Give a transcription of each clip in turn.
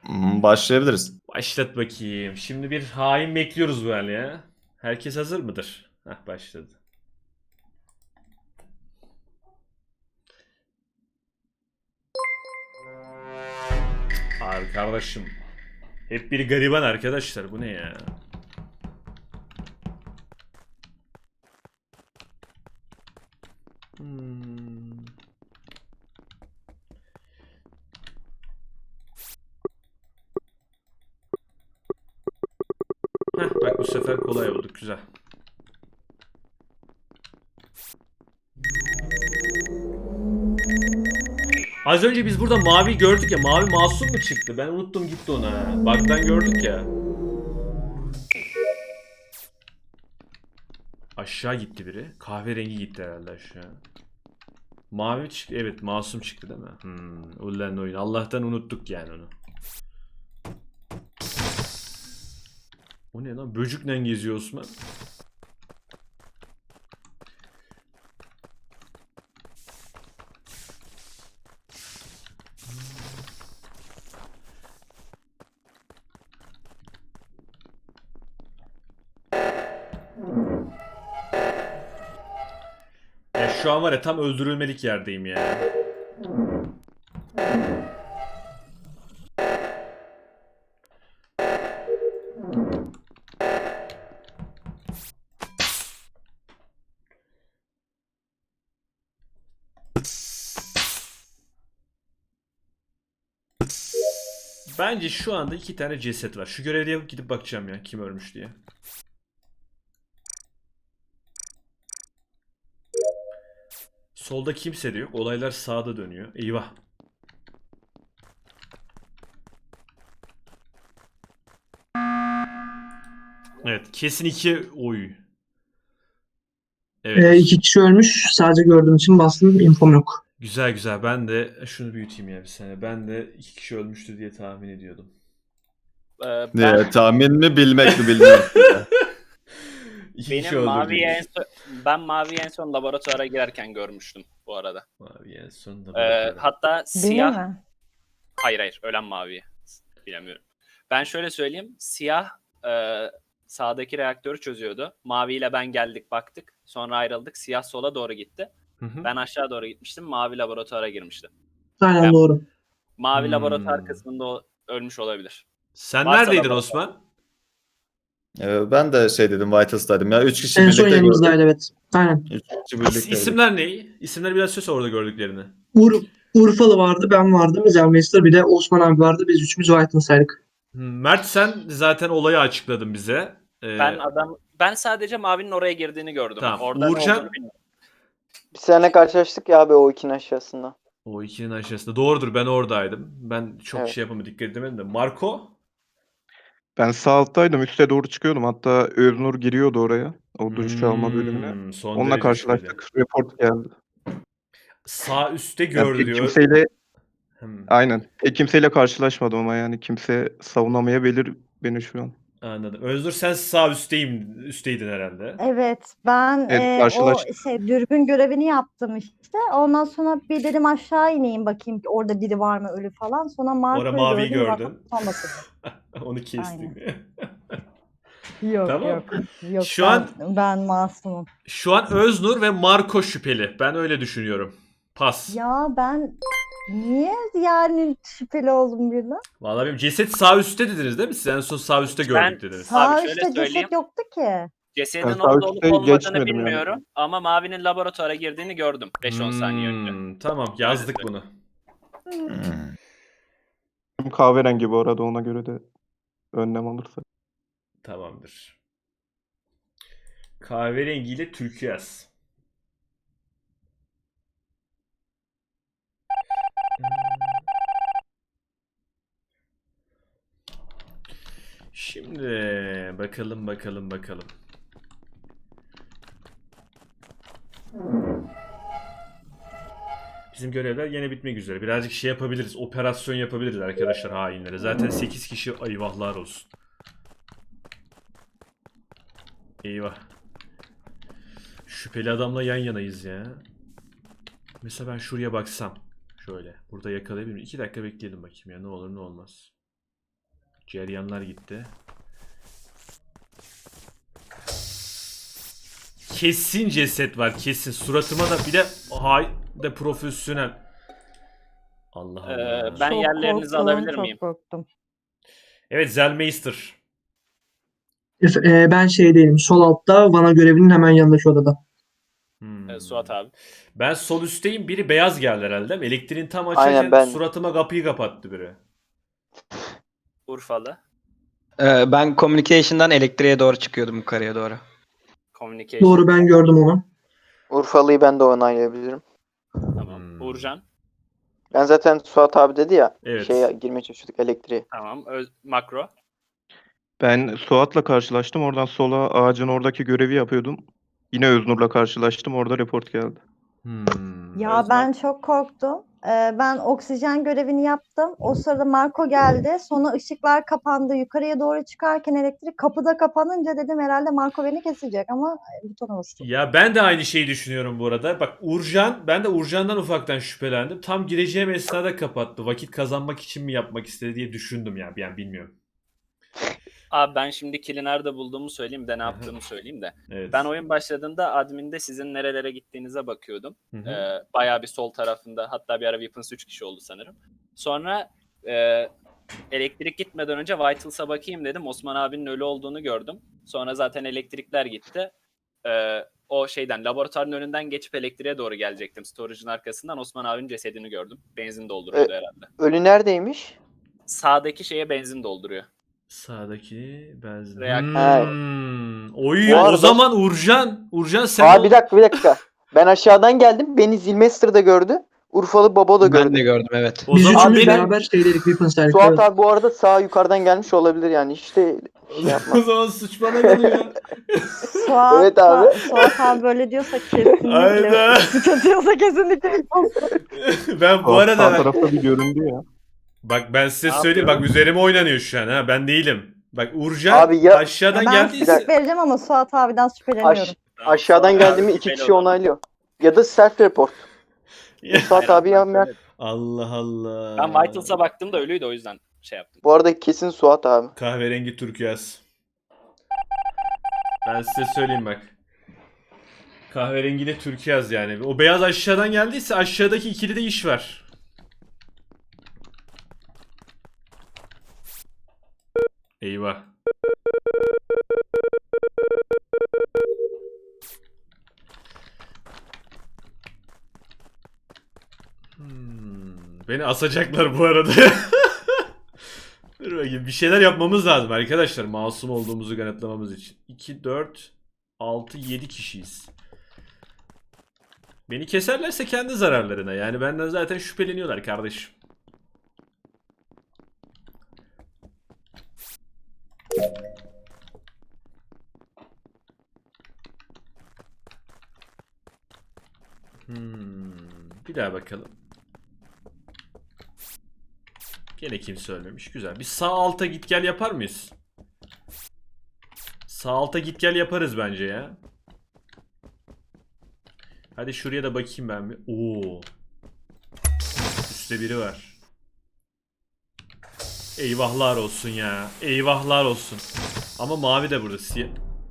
Başlayabiliriz. Başlat bakayım. Şimdi bir hain bekliyoruz böyle ya. Herkes hazır mıdır? Hah, başladı. Arkadaşım. Hep bir gariban arkadaşlar. Bu ne ya? Hmm. Heh, bak bu sefer kolay oldu. Güzel. Az önce biz burada mavi gördük ya. Mavi masum mu çıktı? Ben unuttum gitti ona. Bug'dan gördük ya. Aşağı gitti biri. Kahverengi gitti herhalde aşağı. Mavi çıktı. Evet, masum çıktı değil mi? Ulan oyun. Allah'tan unuttuk yani onu. O ne lan? Böcükle geziyor Osman. Ya şu an var ya, tam öldürülmelik yerdeyim ya. Bence şu anda 2 tane ceset var. Şu görevde yapıp gidip bakacağım ya kim ölmüş diye. Solda kimse de yok. Olaylar sağda dönüyor. Eyvah. Evet, kesin 2 oy. Evet. İki kişi ölmüş. Sadece gördüğüm için bastım. İnfom yok. Güzel güzel. Ben de şunu büyüteyim ya bir saniye. Ben de 2 kişi ölmüştü diye tahmin ediyordum. Ben Tahmin mi bilmek mi bilmiyorum. İki kişi benim maviyi en öldürdük. son, ben maviyi en son laboratuvara girerken görmüştüm bu arada. Mavi en sonunda bırakıyorum. Hatta Benim siyah, mi? hayır ölen maviyi bilemiyorum. Ben şöyle söyleyeyim, siyah sağdaki reaktörü çözüyordu. Maviyle ben geldik baktık, sonra ayrıldık. Siyah sola doğru gitti. Hı hı. Ben aşağı doğru gitmiştim. Mavi laboratuvara girmişti. Aynen Ben- doğru. Mavi laboratuvar kısmında ölmüş olabilir. Sen Varsa neredeydin laboratuvar. Osman? Ben de şey dedim, Vitals'taydım ya. 3 kişi En son birlikte gördük. yanımızdaydı evet. Aynen. 3 kişi birlikte gördük. İsimler ne? İsimler biraz söz orada gördüklerini. Urfalı vardı, ben vardım. Zelmeister bir de Osman abi vardı. Biz üçümüz White'ınsaydık. Mert, sen zaten olayı açıkladın bize. Ben sadece mavinin oraya girdiğini gördüm. Tamam. Orada ne Uğurcan? olduğunu bilmiyorum. Bir sene karşılaştık ya abi o ikinin aşağısında. O ikinin aşağısında. Doğrudur, ben oradaydım. Ben çok Evet. şey yapamadım, dikkat edemedim de. Marco? Ben sağ alttaydım. Üste doğru çıkıyordum. Hatta Öznur giriyordu oraya. O duş alma bölümüne. Son Onunla derece karşılaştık. şüpheli. Report geldi. Sağ üstte Yani gördü pek diyor. kimseyle Hmm, aynen. Pek kimseyle karşılaşmadım ama yani kimse savunamayabilir beni şu an. anladım. Özgür, sen sağ üstteydin herhalde. Evet, ben Evet, o karşılaştık. dürbün görevini yaptım işte. Ondan sonra bir dedim aşağı ineyim bakayım ki orada biri var mı ölü falan. Sonra Orada Marco'yu maviyi gördüm. Zaten gördün. sonrası. Onu kestik. Yok Tamam. yok. Yok Şu ben, an- ben masumum. Şu an Öznur ve Marco şüpheli. Ben öyle düşünüyorum. Pas. Ya ben niye yani şüpheli oldum birden? Vallahi benim ceset sağ üstte dediniz değil mi? Siz en son sağ üstte gördük dediniz. Sağ şöyle üstte söyleyeyim. ceset yoktu ki. Cesedin Ben sağ orada olup üstte olmadığını geçmedim yani. bilmiyorum ama Mavi'nin laboratuvara girdiğini gördüm 5-10 saniye önce. Tamam, yazdık bunu. Kahverengi bu arada, ona göre de önlem alırsa. Tamamdır. Kahverengiyle türküyaz. Şimdi bakalım. Bizim görevler yine bitmek üzere. Birazcık şey yapabiliriz. Operasyon yapabiliriz arkadaşlar hainlere. Zaten 8 kişi, eyvahlar olsun. Eyvah. Şüpheli adamla yan yanayız ya. Mesela ben şuraya baksam. Şöyle. Burada yakalayabilir miyim? 2 dakika bekleyelim bakayım ya. Ne olur ne olmaz. Ceryanlar gitti. Kesin ceset var, kesin. Suratıma da bir de de profesyonel. Allah Allah. Ben Çok yerlerinizi korktum, alabilir çok miyim? korktum. Evet, Zellmeister. Ben şeydeyim. Sol altta Vana görevinin hemen yanındaki odada. Suat abi. Ben sol üstteyim. Biri beyaz geldi herhalde değil mi? Elektriğin tam Aynen, açarken ben. suratıma kapıyı kapattı biri. Urfalı. Ben communication'dan elektriğe doğru çıkıyordum yukarıya doğru. Communication. Doğru, ben gördüm onu. Urfalı'yı ben de onaylayabilirim. Tamam. Uğurcan. Ben zaten Suat abi dedi ya. Evet. Şeye girmeye çalışıyorduk, elektriğe. Tamam. Makro. Ben Suat'la karşılaştım. Oradan sola ağacın oradaki görevi yapıyordum. Yine Öznur'la karşılaştım. Orada report geldi. Ya Özlem. ben çok korktum. Ben oksijen görevini yaptım. O sırada Marco geldi. Sonra ışıklar kapandı. Yukarıya doğru çıkarken elektrik kapıda kapanınca dedim herhalde Marco beni kesecek ama butona bastım. Ya ben de aynı şeyi düşünüyorum bu arada. Bak ben de Uğurcan'dan ufaktan şüphelendim. Tam gireceğim esnada kapattı. Vakit kazanmak için mi yapmak istedi diye düşündüm ya. Yani bilmiyorum. Abi ben şimdi kill'i nerede bulduğumu söyleyeyim de ne yaptığımı söyleyeyim de. Evet. Ben oyun başladığında adminde sizin nerelere gittiğinize bakıyordum. Hı hı. Bayağı bir sol tarafında, hatta bir ara Weapons 3 kişi oldu sanırım. Sonra elektrik gitmeden önce Vitals'a bakayım dedim. Osman abinin ölü olduğunu gördüm. Sonra zaten elektrikler gitti. O şeyden, laboratuvarın önünden geçip elektriğe doğru gelecektim. Storage'ın arkasından Osman abinin cesedini gördüm. Benzin dolduruyordu herhalde. Ölü neredeymiş? Sağdaki şeye benzin dolduruyor. Sağdaki benzin. Ha. Oy, Bu o arada- zaman Uğurcan sen Bir dakika. Ben aşağıdan geldim. Beni Zilmester da gördü. Urfalı Baba da Ben gördü. de gördüm evet. O Biz zaman üçümüz benim- beraber şeydeydik. Weapons'taydık. Suat Evet. abi bu arada sağ yukarıdan gelmiş olabilir yani. İşte şey yapma. o zaman suç bana geliyor. Suat, Evet abi. Suat abi böyle diyorsa kesinlikle. Hayda. Suç atıyorsa kesinlikle. Ben bu Suat arada sağ tarafta bir göründü ya. bak ben size Ne söyleyeyim, bak yapıyorum? üzerime oynanıyor şu an ha, ben değilim. Bak Uğurcan Abi ya- aşağıdan Ben geldiyse sık vereceğim ama Suat abiden şüpheleniyorum. Aşağıdan Suat geldiğimi abi iki kişi şüpheli olan. onaylıyor. Ya da self report. Suat abi ya Mert. Allah Allah. Ben Vitals'a baktığımda ölüydü, o yüzden şey yaptım. Bu arada kesin Suat abi. Kahverengi turkuaz. Ben size söyleyeyim bak. Kahverengiyle turkuaz yani. O beyaz aşağıdan geldiyse aşağıdaki ikili de iş var. Eyvah. Beni asacaklar bu arada. Dur bakayım. Bir şeyler yapmamız lazım arkadaşlar. Masum olduğumuzu kanıtlamamız için. 2, 4, 6, 7 kişiyiz. Beni keserlerse kendi zararlarına. Yani benden zaten şüpheleniyorlar kardeşim. Bir daha bakalım. Gene kimse ölmemiş. Güzel. Bir sağ alta git gel yapar mıyız? Sağ alta git gel yaparız bence ya. Hadi şuraya da bakayım ben bir. Oo. Üstte biri var. Eyvahlar olsun ya. Eyvahlar olsun. Ama mavi de burada. Siyah.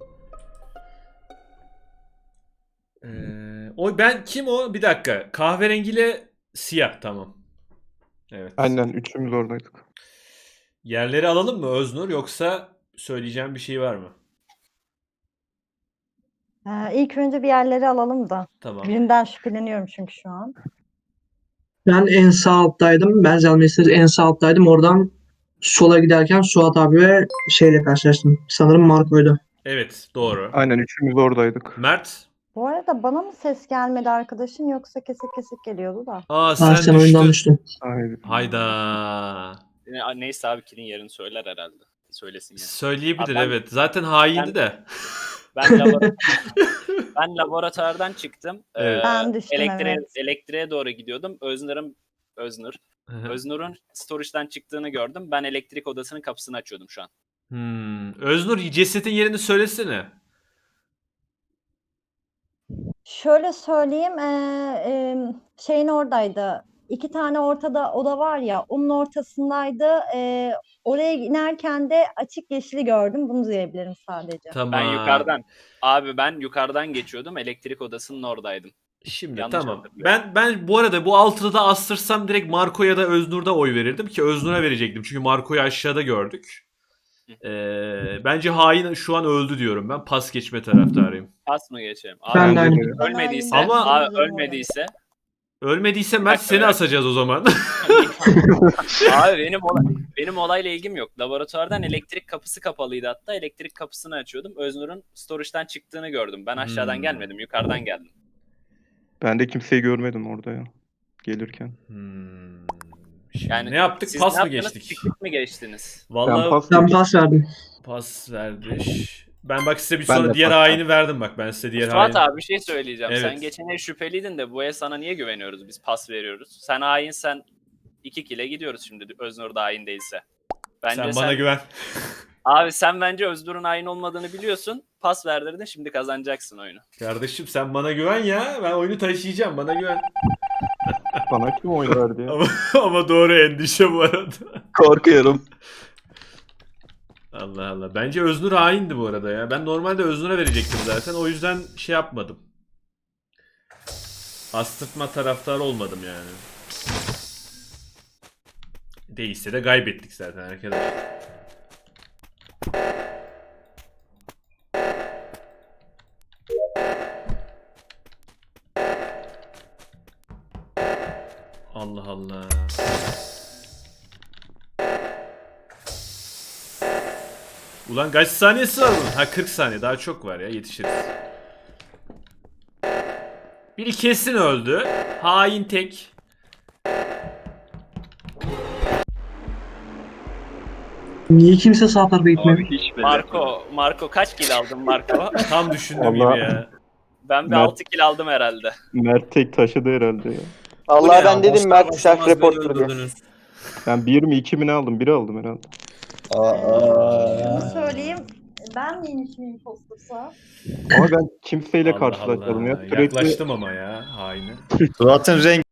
Kim o? Bir dakika. Kahverengiyle siyah, tamam. Evet. Aynen üçümüz oradaydık. Yerleri alalım mı Öznur, yoksa söyleyeceğim bir şey var mı? İlk önce bir yerleri alalım da. Tamam. Birinden şüpheleniyorum çünkü şu an. Ben en sağ alttaydım. Ben Zellmeister en sağ alttaydım. Oradan sola giderken Suat abi ve şeyle karşılaştım. Sanırım Marco'ydu. Evet, doğru. Aynen üçümüz oradaydık. Mert. Bu arada bana mı ses gelmedi arkadaşın yoksa kesik kesik geliyordu da. Sen oyundan düştün. Aynen. Hayda. Neyse abi, kill'in yerini söyler herhalde. Söylesin yani. Söyleyebilir, Abi ben- evet. Zaten haindi de. Ben laboratuvardan çıktım. Evet. Ben düştüm, evet. Elektriğe doğru gidiyordum. Öznur'un storage'dan çıktığını gördüm. Ben elektrik odasının kapısını açıyordum şu an. Öznur, cesetin yerini söylesene. Şöyle söyleyeyim, şeyin oradaydı. iki tane ortada oda var ya, onun ortasındaydı. Oraya inerken de açık yeşili gördüm. Bunu diyebilirim sadece. Tamam. Ben yukarıdan geçiyordum. Elektrik odasının oradaydım. Şimdi Yanlış tamam. hatırlıyorum. Ben bu arada bu altıda da astırsam direkt Marco ya da Öznur'da oy verirdim ki Öznur'a verecektim. Çünkü Marco'yu aşağıda gördük. Bence hain şu an öldü diyorum ben. Pas geçme taraftarıyım. Pas mı geçelim? Ben Abi, de aynı. ölmediyse, Ama- ölmediyse Ölmediyse Mert seni asacağız o zaman. abi benim olayla ilgim yok. Laboratuvardan elektrik kapısı kapalıydı hatta. Elektrik kapısını açıyordum. Öznur'un storage'dan çıktığını gördüm. Ben aşağıdan gelmedim. Yukarıdan geldim. Ben de kimseyi görmedim orada ya. Gelirken. Şimdi Yani ne yaptık? Siz Pas ne mı yaptınız? geçtik? Piknik mi geçtiniz? Vallahi Ben pas Ben geçtim. pas verdim. pas verdi. Ben bak size bir Ben sonra de diğer pas haini verdim bak. Ben size diğer Fuat haini. abi bir şey söyleyeceğim. Sen Evet. geçen el şüpheliydin de bu el sana niye güveniyoruz? Biz pas veriyoruz. Sen hainsen 2 kile gidiyoruz şimdi Öznur da hain değilse. Bence Sen bana güven. Abi sen bence Öznur'un hain olmadığını biliyorsun. Pas verdirdin, şimdi kazanacaksın oyunu. Kardeşim sen bana güven ya. Ben oyunu taşıyacağım. Bana güven. Bana kim oy verdi ya? ama doğru endişe bu arada. Korkuyorum. Allah Allah. Bence Öznur haindi bu arada ya. Ben normalde Öznur'a verecektim zaten. O yüzden şey yapmadım. Astırtma taraftarı olmadım yani. Değilse de kaybettik zaten arkadaşlar. Allah Allah. Ulan kaç saniyesi var bunun? Ha 40 saniye daha çok var ya, yetişiriz. Biri kesin öldü. Hain tek. Niye kimse sağ tarafa gitmedi? hiç Marco kaç kill aldın Marco? Tam düşündüğüm gibi Allah. ya. Ben bir Mert- 6 kill aldım herhalde. Mert tek taşıdı herhalde ya. Allah ben dedim Mert self reporter diye. Ben 1 mi 2 mi ne aldım? 1 aldım herhalde. Şunu söyleyeyim. Ben miymişim impostorsa? Ama ben kimseyle Allah karşılaşmadım ya. Allah. Sürekli Yaklaştım ama ya haine. Suat'ın rengi